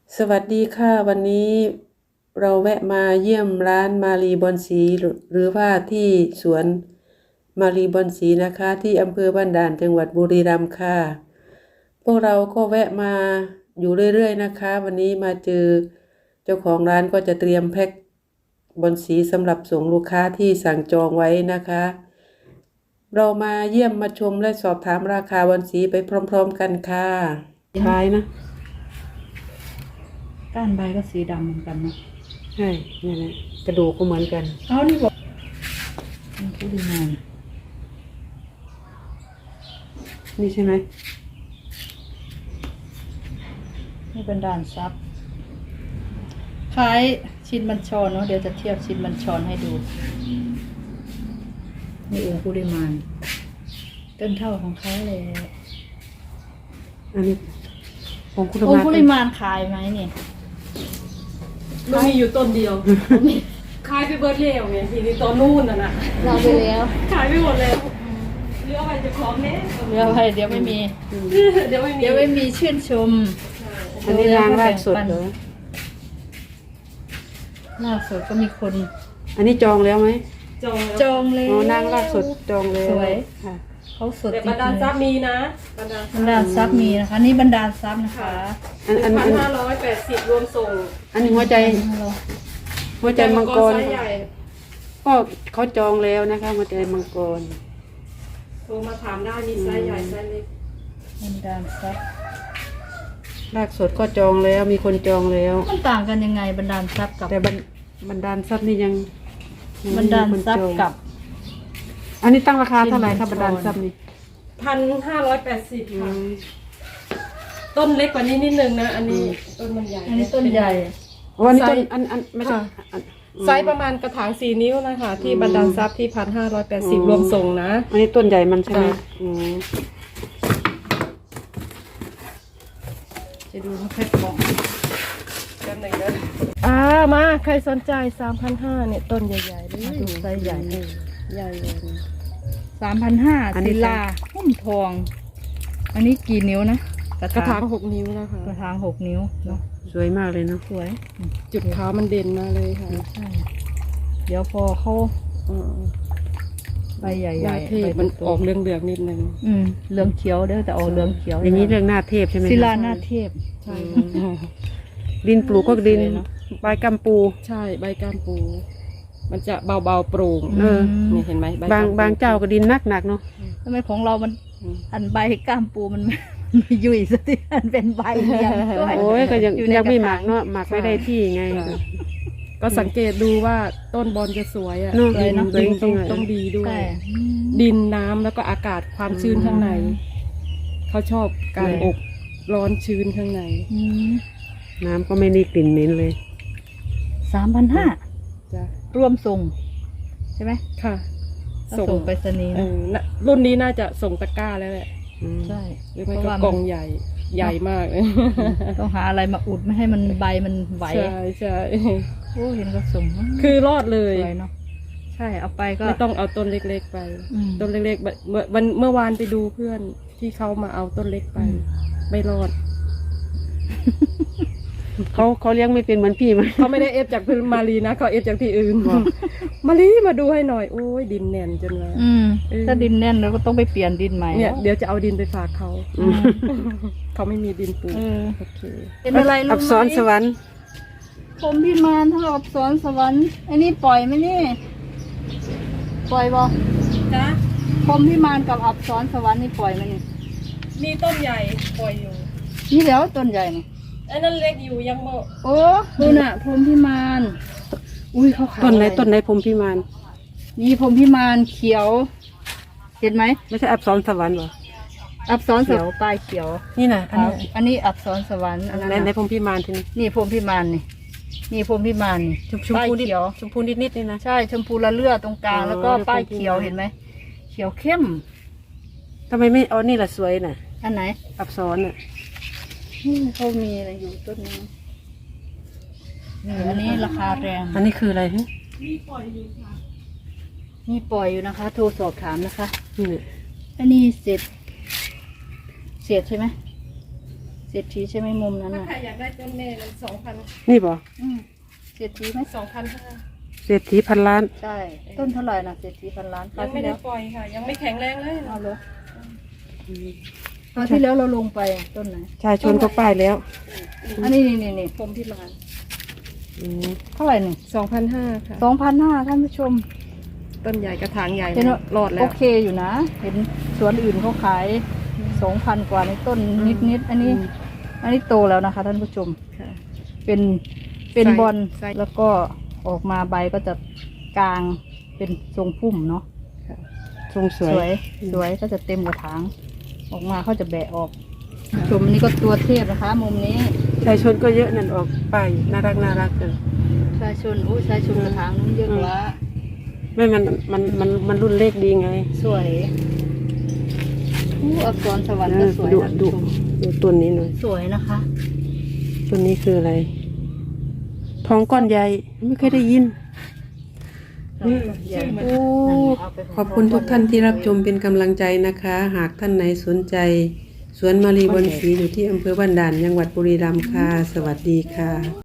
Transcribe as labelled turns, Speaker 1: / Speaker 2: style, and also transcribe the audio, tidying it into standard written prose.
Speaker 1: สวัสดีค่ะวันนี้เราแวะมาเยี่ยมร้านมารีบอนสีหรือว่าที่สวนมารีบอนสีนะคะที่อำเภอบ้านด่านจังหวัดบุรีรัมย์ค่ะพวกเราก็แวะมาอยู่เรื่อยๆนะคะวันนี้มาเจอเจ้าของร้านก็จะเตรียมแพ็คบอนสีสำหรับส่งลูกค้าที่สั่งจองไว้นะคะเรามาเยี่ยมมาชมและสอบถามราคาบอนสีไปพร้อมๆกันค่ะขายนะ
Speaker 2: ก้านใบก็สีดำเหมือนกันเนาะ
Speaker 1: ใช่นี่แหละกระดูกก็เหมือนกัน
Speaker 2: เอานี่บอกผู้ดีงาน
Speaker 1: นี่ใช่ไหม
Speaker 2: นี่เป็นด่านซับคล้ายชิ้นบัญชรเนาะเดี๋ยวจะเทียบชิ้นบัญชรให้ดูนี่องค์ผู้ดีมานต้นเท่าของเขาเลย
Speaker 1: อันนี้องค์
Speaker 2: องค์ผู้ดีมานขายไหมเนี่ย
Speaker 3: มันมีอยู่ต้นเดียวขายไปเบิร์ดเลี้ยวไงทีนี้ต้นนู่นน่ะ
Speaker 2: เราไปแล้ว
Speaker 3: ขายไปหมดแล้วเลือกไปจะคล้องเนี้ย
Speaker 2: เดี๋ยวไปเดี๋ยวไม่มี
Speaker 3: เดี๋ยว
Speaker 2: ไม่มีชื่นชม
Speaker 1: อันนี้นางรากสดเหรอ
Speaker 2: รากสดก็มีคน
Speaker 1: อันนี้จองแล้วไหม
Speaker 2: จองเลย
Speaker 1: อ๋อนางรากสดจองเลย
Speaker 2: สวย
Speaker 1: ค่ะ
Speaker 2: เขาสด
Speaker 3: แต่บรรดาซับมีนะ
Speaker 2: บรรดาซับมีนะคะนี่บรรดาซับนะคะ
Speaker 3: 1,580รวมส่ง
Speaker 1: อันนี้หัวใจมังกรก็เขาจองแล้วนะคะหัวใจมังกร
Speaker 3: โทรมาถามได้มีไซส์ใหญ่ไซส์เล็ก
Speaker 2: บรรดาซับ
Speaker 1: รากสดก็จองแล้วมีคนจองแล้ว
Speaker 2: มันต่างกันยังไงบรรดาซับกับ
Speaker 1: แต่บรรดาซับนี่ยัง
Speaker 2: บรรดาซับกับ
Speaker 1: อันนี้ตั้งราคาเท่าไหร่ครับบรรดาซับนี่
Speaker 3: 1,580ค่ะต้นเล็กกว่านี้นิดนึงนะอันนี้ต้นมันใหญ่
Speaker 2: อันนี้ต้นใหญ่
Speaker 1: วันนี้ต้นอันไม่ใช่
Speaker 3: ไซส์ประมาณกระถาง4 นิ้วนะคะที่บรรดาซับที่1,580รวมส่งนะ
Speaker 1: อันนี้ต้นใหญ่มันใช่ไหม
Speaker 2: จะดูแพ็คของ
Speaker 3: กันหนึ่งนะมาใครสนใจ3,500เนี่ยต้นใหญ่ๆเลย
Speaker 2: ดูไซส์ใหญ่
Speaker 3: ใหญ่เลย
Speaker 2: 3,500ศิลาหุ้มทอง อันนี้กี่นิ้วนะ
Speaker 3: กระถาง6 นิ้วนะคะ
Speaker 2: กระถาง6 นิ้วเนาะ
Speaker 1: สวยมากเลยเนาะ
Speaker 2: สวย
Speaker 3: จุดขาวมันเด่นมาเลยค่ะ
Speaker 2: ใช่เดี๋ยวพอเขาใบใหญ่ๆ
Speaker 3: เทพมันออกเหลืองๆนิดนึง
Speaker 2: เหลืองเขียวเด้อแต่ออกเหลืองเขียว
Speaker 1: อย่างนี้เรื่องหน้าเทพใช่ไหม
Speaker 2: ศิลาหน้าเทพ
Speaker 3: ใช่
Speaker 1: ดินปลูกก็ดินใบกัมปู
Speaker 3: ใช่ใบกัมปูมันจะเบาๆโปร่งนี่เห็นไหม
Speaker 1: บางเจ้าก็ดินหนักเนาะ
Speaker 2: ทำไมของเรามันอันใบกัมปูมันไม่ยุ่ยสักทีอันเป็นใบเดียว
Speaker 1: โอ้ยก็ยังไม่หมักเนาะหมักไม่ได้ที่ไง
Speaker 3: ก็สังเกตดูว่าต้นบอลจะสวยอ่ะดินต้องดีด้วยดินน้ำแล้วก็อากาศความชื้นข้างในเขาชอบการอบร้อนชื้นข้างใน
Speaker 1: น้ำก็ไม่ได้กลิ่นเหม็นเลย
Speaker 2: 3,500
Speaker 3: จ้ะ
Speaker 2: รวมส่งใช่ไหม
Speaker 3: ค่ะ
Speaker 2: ส่งไปสนี
Speaker 3: รุ่นนี้น่าจะส่งตะกร้าแล้วแหละ
Speaker 2: ใช่
Speaker 3: เพราะว่ากล่องใหญ่มากเลย
Speaker 2: ต้องหาอะไรมาอุดไม่ให้มันใบมันไหว
Speaker 3: ใช่
Speaker 2: โอ้เห็นก็ส่ง
Speaker 3: คือรอดเลย
Speaker 2: เนาะใช่เอาไปก็
Speaker 3: ไม่ต้องเอาต้นเล็กๆไปต้นเล็กๆเมื่อวานไปดูเพื่อนที่เขามาเอาต้นเล็กไปไม่รอด
Speaker 1: เขาเลี้ยงไม่เป็นเหมือนพี่มั้ย
Speaker 3: เขาไม่ได้เอฟจากพื้นมารีนะเขาเอฟจากที่อื่นมารีมาดูให้หน่อยโอ้ยดินแน่นจนเลย
Speaker 2: ถ้าดินแน่นเราก็ต้องไปเปลี่ยนดินใหม่
Speaker 3: เนี่ยเดี๋ยวจะเอาดินไปฝากเขาเขาไม่มีดินปลูกโอเค
Speaker 2: เป็นอะไรลูก
Speaker 1: อับสรสวรรค์
Speaker 2: ผมพี่มานถ้าอับสรสวรรค์อันนี้ปล่อยไหมนี่ปล่อยบ่
Speaker 3: จ้ะ
Speaker 2: ผมพี่มานกับอับสรสวรรค์นี่ปล่อยไหมนี่
Speaker 3: มีต้นใหญ่ปล่อยอยู่
Speaker 2: นี่แล้วต้นใหญ่นี่
Speaker 3: ไอ้นั่นเล็กอยู่ยังโม
Speaker 2: โอ้ดูน่ะพรหมพิมาน
Speaker 1: อุ้ยเขาขายต้นไหนพรหมพิมาน
Speaker 2: นี่พรหมพิมานเขียวเห็นไหม
Speaker 1: ไม่ใช่อับสรสวรรค์หรอ
Speaker 2: อับสรเขียวปลายเขียว
Speaker 1: นี่น่ะ
Speaker 2: อันนี้อับสรสวรรค์
Speaker 1: ในพรหมพิมานที
Speaker 2: นี่พรหมพิมานนี่พรหมพิมานนี่
Speaker 1: ชมพูเขียวชมพูนิดนี่นะ
Speaker 2: ใช่ชมพูละเลือดตรงกลางแล้วก็ป้ายเขียวเห็นไหมเขียวเข้ม
Speaker 1: ทำไมไม่เอานี่ล่ะสวยน่ะ
Speaker 2: อันไหน
Speaker 1: อับสรน่ะ
Speaker 2: เขามีอะไรอยู่ต้นนี้อันนี้ราคาแรง
Speaker 1: อันนี้คืออะไร
Speaker 3: มีปล่อยอยู่ค่ะ
Speaker 2: มีปล่อยอยู่นะคะโทรสอบถามนะคะ
Speaker 1: นี่
Speaker 2: อันนี้เศษใช่ไหมเศรษฐีใช่ไหมมุมนั้น
Speaker 3: ถ้า
Speaker 2: น่ะ
Speaker 3: ใครอยากได้ต้นแม่มัน2,000
Speaker 1: นี่บ่
Speaker 2: เศรษฐีไหม
Speaker 3: 2,500
Speaker 1: เศรษฐีพันล้าน
Speaker 2: ใช่ต้นเท่าไหร่นะเศรษฐีพันล้านครา
Speaker 3: ยั
Speaker 2: ว
Speaker 3: งไม่
Speaker 2: ที่
Speaker 3: ได้
Speaker 2: แล้ว
Speaker 3: ปล่อยค่ะ ยังไม่แข็งแรงเลย
Speaker 2: เอาเลยคราวที่แล้วเราลงไปต้นไหน
Speaker 1: ชายชนก็ป้ายแล้ว
Speaker 2: อันนี้นี่
Speaker 3: ผมพิมาน
Speaker 1: อืม
Speaker 2: เท่าไหร่นี่
Speaker 3: 2,500ค่ะ
Speaker 2: 2,500ท่านผู้ชม
Speaker 3: ต้นใหญ่กระถางใหญ่
Speaker 2: เห็นว่าร
Speaker 3: อดแล้
Speaker 2: โอ
Speaker 3: ว
Speaker 2: เคอยู่นะ เห็นสวนอื่นเขาขาย 2,000 กว่าในต้นนิดอันนี้โตแล้วนะคะ ท่านผู้ชม
Speaker 3: ค่ะ
Speaker 2: เป็นบอล
Speaker 3: ไซส์
Speaker 2: แล้วก็ออกมาใบก็จะกลางเป็นทรงพุ่มเนาะ
Speaker 1: ทรงส
Speaker 2: ส
Speaker 1: วย
Speaker 2: วยสวยก็จะเต็มกระถาง ออกมาเขาจะแบะออกชมอันนี้ก็ตัวเทพนะคะ มุมนี้
Speaker 1: ชายชนก็เยอะนั่นออกป้ายน่ารักเลย
Speaker 2: ชายชนชายชนกระถางนั้นเยอะกว่า
Speaker 1: ไม่มันรุ่นเลขดีไง
Speaker 2: สวยอักษรสวรรค์ก็สวย
Speaker 1: ดู
Speaker 2: นะ
Speaker 1: ดูดูต้นนี้หน่อย
Speaker 2: สวยนะคะ
Speaker 1: ต้นนี้คืออะไร ทองก้อนใหญ่ไม่เคยได้ยิน โอ้ขอบคุณทุกท่านที่รับชมเป็นกำลังใจนะคะ หากท่านไหนสนใจ สวนมารีบอนศรีอยู่ที่อำเภอบ้านด่านจังหวัดบุรีรัมย์ค่ะ สวัสดีค่ะ